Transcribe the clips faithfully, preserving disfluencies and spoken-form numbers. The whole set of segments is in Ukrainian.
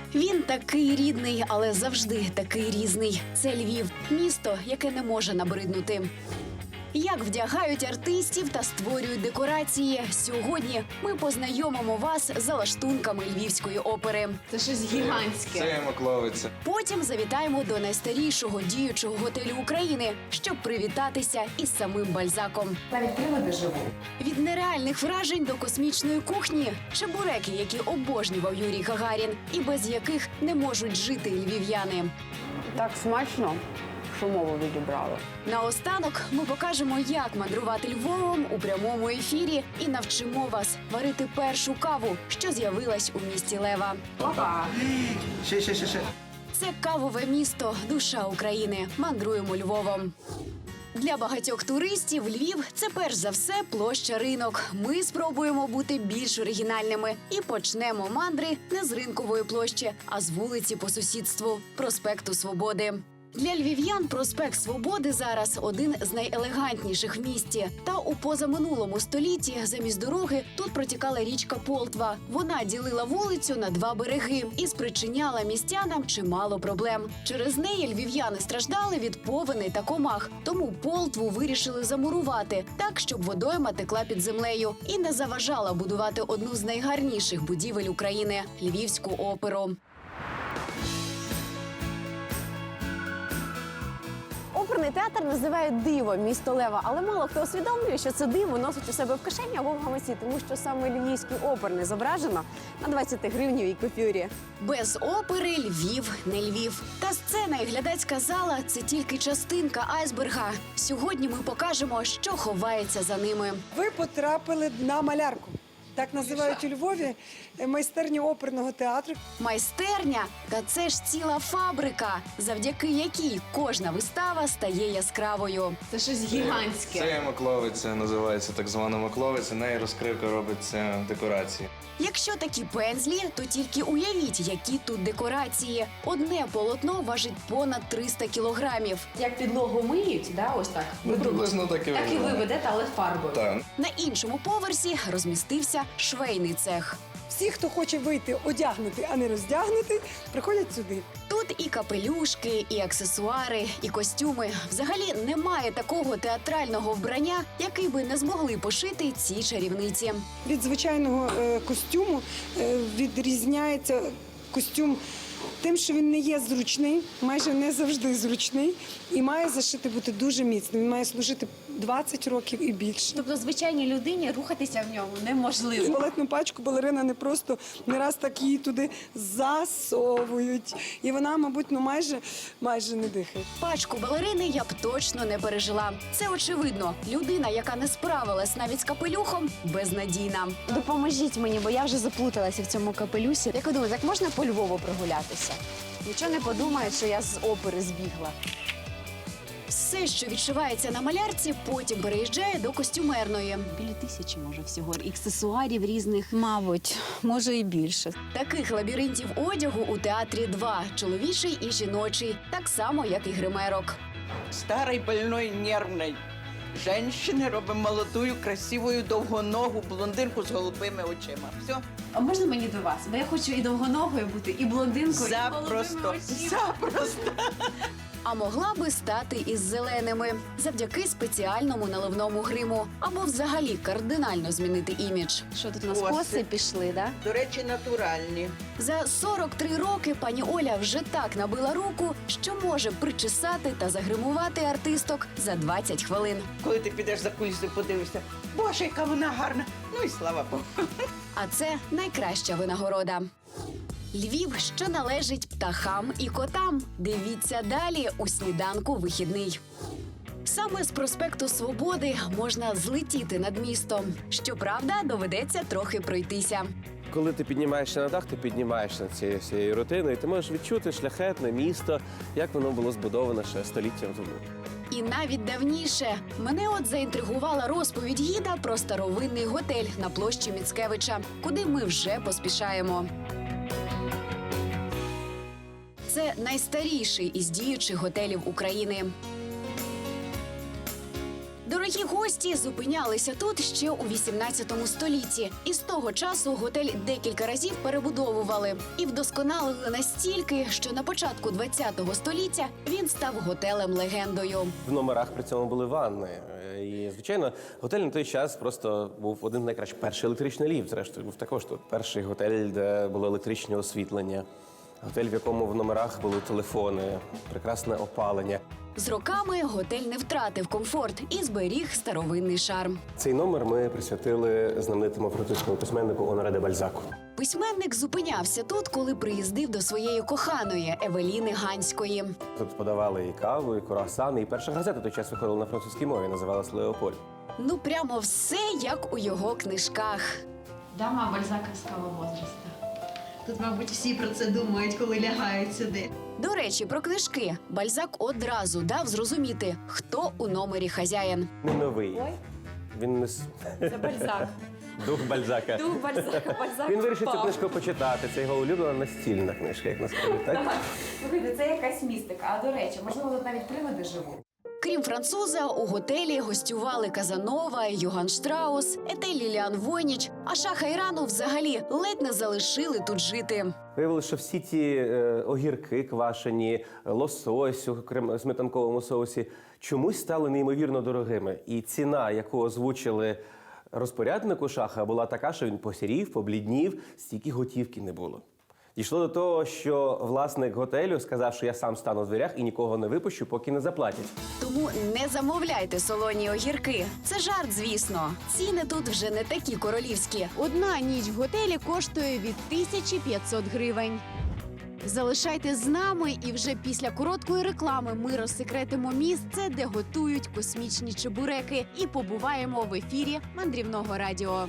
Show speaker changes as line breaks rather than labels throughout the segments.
Він такий рідний, але завжди такий різний. Це Львів – місто, яке не може набриднути. Як вдягають артистів та створюють декорації. Сьогодні ми познайомимо вас з лаштунками Львівської опери.
Це щось гігантське.
Це Макловиця.
Потім завітаємо до найстарішого діючого готелю України, щоб привітатися із самим Бальзаком.
Навіть приводи живу.
Від нереальних вражень до космічної кухні – чебуреки, які обожнював Юрій Гагарін, і без яких не можуть жити львів'яни.
Так смачно, що мову відібрали.
Наостанок ми покажемо, як мандрувати Львовом у прямому ефірі і навчимо вас варити першу каву, що з'явилась у місті Лева.
Опа!
Ще, ще, ще, ще.
Це кавове місто, душа України. Мандруємо Львовом. Для багатьох туристів Львів – це перш за все площа Ринок. Ми спробуємо бути більш оригінальними і почнемо мандри не з Ринкової площі, а з вулиці по сусідству – проспекту Свободи. Для львів'ян проспект Свободи зараз один з найелегантніших в місті. Та у позаминулому столітті замість дороги тут протікала річка Полтва. Вона ділила вулицю на два береги і спричиняла містянам чимало проблем. Через неї львів'яни страждали від повеней та комах. Тому Полтву вирішили замурувати так, щоб водойма текла під землею і не заважала будувати одну з найгарніших будівель України – Львівську оперу.
Оперний театр називають диво місто Лева, але мало хто усвідомлює, що це диво носить у себе в кишені або в гаманці, тому що саме львівський оперний зображено на двадцятигривневій купюрі.
Без опери Львів не Львів. Та сцена і глядацька зала – це тільки частинка айсберга. Сьогодні ми покажемо, що ховається за ними.
Ви потрапили на малярку. Так називають у Львові майстерню оперного театру.
Майстерня – та це ж ціла фабрика, завдяки якій кожна вистава стає яскравою.
Це щось гігантське.
Це Макловиця, називається так звана Макловиця. Неї розкривка робиться декорації.
Якщо такі пензлі, то тільки уявіть, які тут декорації. Одне полотно важить понад триста кілограмів.
Як підлогу миють, да, ось так.
Ну, приблизно так і
Так і ви
виглядає.
ведете, але фарбою.
Так.
На іншому поверсі розмістився швейний цех.
Всі, хто хоче вийти одягнути, а не роздягнути, приходять сюди.
Тут і капелюшки, і аксесуари, і костюми. Взагалі немає такого театрального вбрання, який би не змогли пошити ці чарівниці.
Від звичайного е, костюму е, відрізняється костюм тим, що він не є зручний, майже не завжди зручний, і має зашити бути дуже міцним. Він має служити двадцять років і більше.
Тобто звичайній людині рухатися в ньому неможливо.
Балетну пачку балерина не просто не раз так її туди засовують. І вона, мабуть, ну майже, майже не дихає.
Пачку балерини я б точно не пережила. Це очевидно. Людина, яка не справилась навіть з капелюхом, безнадійна.
Допоможіть мені, бо я вже заплуталася в цьому капелюсі. Як ви думаєте, як можна по Львову прогулятися? Нічого не подумають, що я з опери збігла.
Все, що відшивається на малярці, потім переїжджає до костюмерної.
Біля тисячі, може, всього. Аксесуарів різних. Мабуть, може і більше.
Таких лабіринтів одягу у театрі два – чоловічий і жіночий, так само, як і гримерок.
Старой, больной, нервной женщины робимо молодую, красивую, довгоногу блондинку з голубими очима. Все.
А можна мені до вас? Бо я хочу і довгоногою бути, і блондинкою, і
Запросто.
голубими очима.
Запросто.
А могла би стати із зеленими завдяки спеціальному наливному гриму або взагалі кардинально змінити імідж.
Що тут у нас
Коси.
коси пішли, да?
До речі, натуральні.
За сорок три роки пані Оля вже так набила руку, що може причесати та загримувати артисток за двадцять хвилин.
Коли ти підеш за кулісою, подивишся, боже, яка вона гарна. Ну і слава Богу.
А це найкраща винагорода. Львів, що належить птахам і котам. Дивіться далі у сніданку вихідний. Саме з проспекту Свободи можна злетіти над містом. Щоправда, доведеться трохи пройтися.
Коли ти піднімаєшся на дах, ти піднімаєшся над цією всією рутиною, і ти можеш відчути шляхетне місто, як воно було збудоване ще століттям тому.
І навіть давніше. Мене от заінтригувала розповідь гіда про старовинний готель на площі Міцкевича, куди ми вже поспішаємо. Це найстаріший із діючих готелів України. Дорогі гості зупинялися тут ще у вісімнадцятому столітті. І з того часу готель декілька разів перебудовували і вдосконалили настільки, що на початку двадцятого століття він став готелем-легендою.
В номерах при цьому були ванни. І, звичайно, готель на той час просто був один з найкращих. Перший електричний ліфт, зрештою, був також тут. Перший готель, де було електричне освітлення. Готель, в якому в номерах були телефони, прекрасне опалення.
З роками готель не втратив комфорт і зберіг старовинний шарм.
Цей номер ми присвятили знаменитому французькому письменнику Оноре де Бальзаку.
Письменник зупинявся тут, коли приїздив до своєї коханої Евеліни Ганської.
Тут подавали і каву, і круасани, і перша газета той час виходила на французькій мові, називалась «Леополь».
Ну, прямо все, як у його книжках.
Дама бальзаковського возраста. Тут, мабуть, всі про це думають, коли лягають сюди.
До речі, про книжки. Бальзак одразу дав зрозуміти, хто у номері хазяїн.
Не новий. Він не... с-
Це Бальзак.
Дух Бальзака.
Дух Бальзака, Бальзак
Він вирішив цю
впав.
книжку почитати. Це його улюблена настільна книжка, як насправді, так?
Слухайте, це якась містика. А до речі, можливо, тут навіть привиди живуть.
Крім француза, у готелі гостювали Казанова, Йоган Штраус, Етель Ліліан Войніч, а Шаха Ірану взагалі ледь не залишили тут жити.
Виявилося, що всі ті е, огірки квашені, лосось у крем- сметанковому соусі чомусь стали неймовірно дорогими. І ціна, яку озвучили розпоряднику Шаха, була така, що він посірів, побліднів, стільки готівки не було. Дійшло до того, що власник готелю сказав, що я сам стану в дверях і нікого не випущу, поки не заплатять.
Тому не замовляйте солоні огірки. Це жарт, звісно. Ціни тут вже не такі королівські.
Одна ніч в готелі коштує від тисячі п'ятсот гривень. Залишайтесь з нами, і вже після короткої реклами ми розсекретимо місце, де готують космічні чебуреки, і побуваємо в ефірі мандрівного радіо.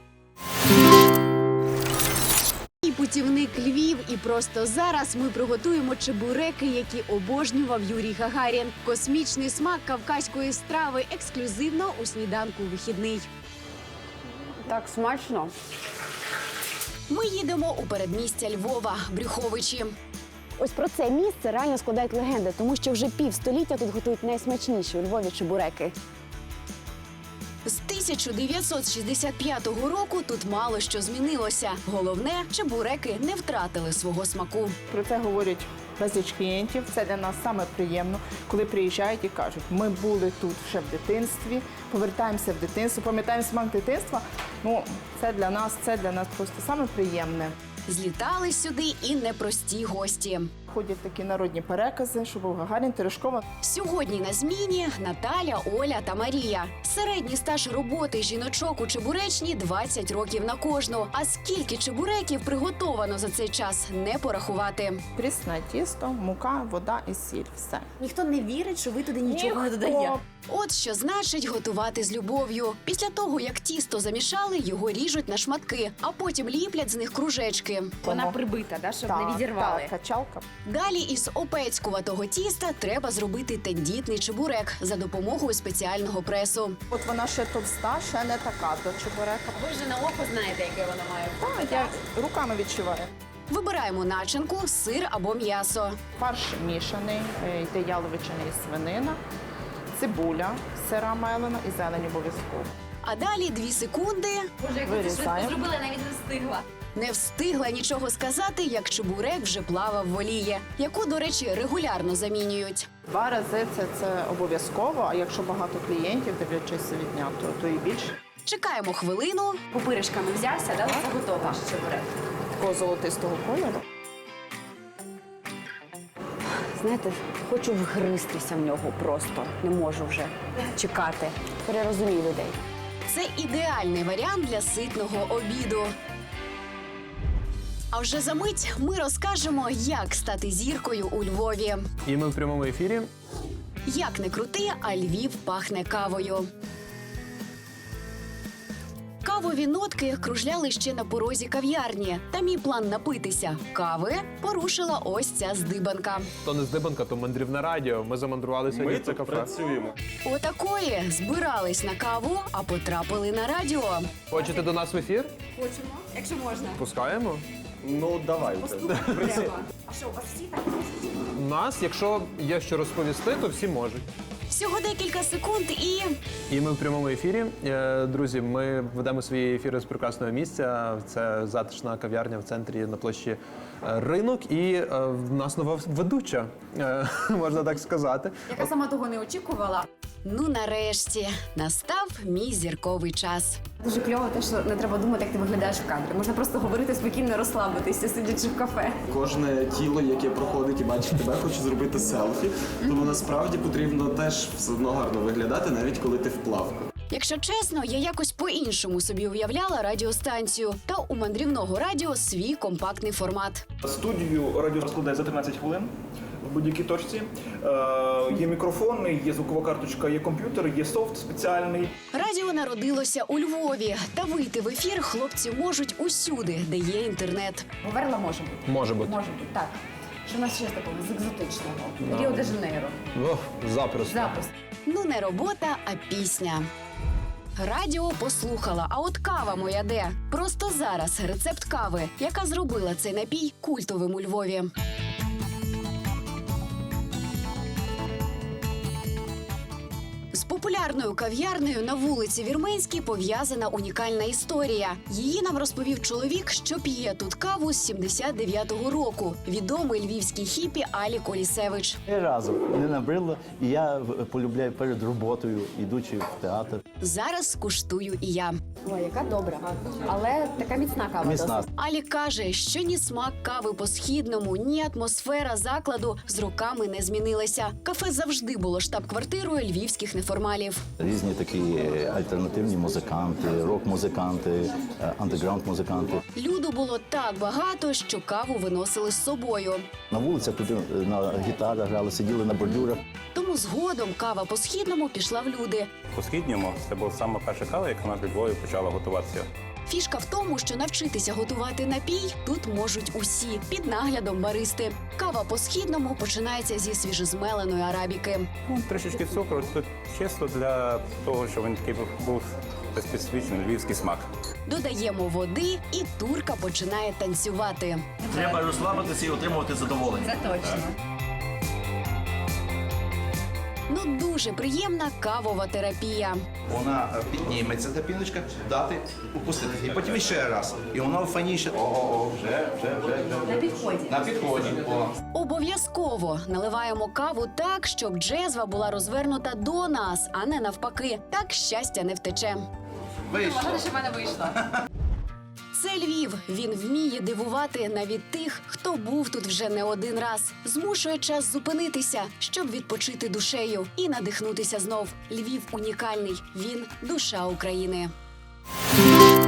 І путівник Львів, і просто зараз ми приготуємо чебуреки, які обожнював Юрій Гагарін. Космічний смак кавказької страви ексклюзивно у сніданку вихідний. Так смачно.
Ми їдемо у передмістя Львова, Брюховичі.
Ось про це місце реально складають легенди, тому що вже півстоліття тут готують найсмачніші у Львові чебуреки.
З тисяча дев'ятсот шістдесят п'ятого року тут мало що змінилося. Головне, чебуреки не втратили свого смаку.
Про це говорять безліч клієнтів. Це для нас саме приємно, коли приїжджають і кажуть, ми були тут ще в дитинстві, повертаємося в дитинство, пам'ятаємо смак дитинства. Ну, це для нас, це для нас просто саме приємне.
Злітали сюди і непрості гості.
Ходять такі народні перекази, що був Гагарін, Терешкова.
Сьогодні на зміні Наталя, Оля та Марія. Середній стаж роботи жіночок у чебуречні – двадцять років на кожну. А скільки чебуреків приготовано за цей час – не порахувати.
Прісне тісто, мука, вода і сіль. Все.
Ніхто не вірить, що ви туди нічого не
Ніхто.
додаєте.
От що значить готувати з любов'ю. Після того, як тісто замішали, його ріжуть на шматки, а потім ліплять з них кружечки.
Вона прибита, да, щоб
Так,
не відірвали.
так, качалка.
Далі із опецькуватого тіста треба зробити тендітний чебурек за допомогою спеціального пресу.
От вона ще товста, ще не така до чебурека.
Ви вже на око знаєте, яке вона має.
Так, я руками відчуваю.
Вибираємо начинку, сир або м'ясо.
Фарш мішаний, е, йде яловичина і свинина, цибуля, сира мелена і зелень обов'язково.
А далі дві секунди.
Вирізаємо.
зробила, навіть не встигла.
Не встигла нічого сказати, як чебурек вже плавав в олії, яку, до речі, регулярно замінюють.
Два рази це, це обов'язково, а якщо багато клієнтів, дивлячись від дня, то, то і більше.
Чекаємо хвилину.
Пупиришками взявся, да? Це готово ваш чебурек.
Такого золотистого кольору.
Знаєте, хочу вгристися в нього просто. Не можу вже чекати. Тепер я розумію людей.
Це ідеальний варіант для ситного обіду. А вже за мить ми розкажемо, як стати зіркою у Львові.
І ми в прямому ефірі.
Як не крути, а Львів пахне кавою. Кавові нотки кружляли ще на порозі кав'ярні. Та мій план напитися кави порушила ось ця здибанка.
То не здибанка, то мандрівне радіо. Ми замандрували сьогодні в це кафе.
працюємо.
Отакої збирались на каву, а потрапили на радіо.
Хочете до нас в ефір?
Хочемо, якщо можна.
Пускаємо.
Ну, давайте.
А що, у вас всі так?
Нас, якщо є що розповісти, то всі можуть.
Всього декілька секунд і
І ми в прямому ефірі. Е, Друзі, ми ведемо свої ефіри з прекрасного місця. Це затишна кав'ярня в центрі на площі е, Ринок. І е, в нас нова ведуча, е, можна так сказати.
Яка сама того не очікувала.
ну нарешті настав мій зірковий час.
Дуже кльово те, що не треба думати, як ти виглядаєш в кадрі. Можна просто говорити спокійно, розслабитися, сидячи в кафе.
Кожне тіло, яке проходить і бачить тебе, хоче зробити селфі. Тому насправді потрібно теж все одно гарно виглядати, навіть коли ти в плавку.
Якщо чесно, я якось по-іншому собі уявляла радіостанцію. Та у мандрівного радіо свій компактний формат.
Студію радіо розкладає за тринадцять хвилин в будь-якій точці. Е, є мікрофон, є звукова карточка, є комп'ютер, є софт спеціальний.
Радіо народилося у Львові. Та вийти в ефір хлопці можуть усюди, де є інтернет.
Говерла може бути.
Може бути.
Може бути, так. Що в нас ще з такого, з екзотичного? Ріо-де-Жанейро.
О, запросто.
Запис.
Ну не робота, а пісня. Радіо послухала, а от кава моя де? Просто зараз рецепт кави, яка зробила цей напій культовим у Львові. З популярною кав'ярнею на вулиці Вірменській пов'язана унікальна історія. Її нам розповів чоловік, що п'є тут каву з сімдесят дев'ятого року. Відомий львівський хіпі Алік Олісевич.
Ні разу не набрило, і я полюбляю перед роботою, ідучи в театр.
Зараз скуштую і я.
Ой, яка добра. Але така міцна кава.
Міцна.
Алік каже, що ні смак кави по-східному, ні атмосфера закладу з роками не змінилася. Кафе завжди було штаб-квартирою львівських неформалів.
Різні такі альтернативні музиканти, рок-музиканти, андеграунд-музиканти.
Люду було так багато, що каву виносили з собою.
На вулицях туди на гітарах грали, сиділи на бордюрах.
Тому згодом кава по-східному пішла в люди.
По-східньому це була саме перша кава, яка у нас в Львові почала готуватися.
Фішка в тому, що навчитися готувати напій тут можуть усі під наглядом баристи. Кава по-східному починається зі свіжозмеленої арабіки.
Ну, трішечки цукру, це чисто для того, щоб він такий був специфічний львівський смак.
Додаємо води, і турка починає танцювати.
Треба розслабитися і отримувати задоволення.
Це точно.
Ну, дуже приємна кавова терапія.
Вона підніметься, та піночка, дати, упустити. І потім ще раз. І воно фаніше. О, вже, вже, вже, вже.
На підході.
На підході. О.
Обов'язково наливаємо каву так, щоб джезва була розвернута до нас, а не навпаки. Так щастя не втече.
Вийшло.
що в мене вийшло.
Це Львів. Він вміє дивувати навіть тих, хто був тут вже не один раз. Змушує час зупинитися, щоб відпочити душею і надихнутися знов. Львів унікальний. Він – душа України.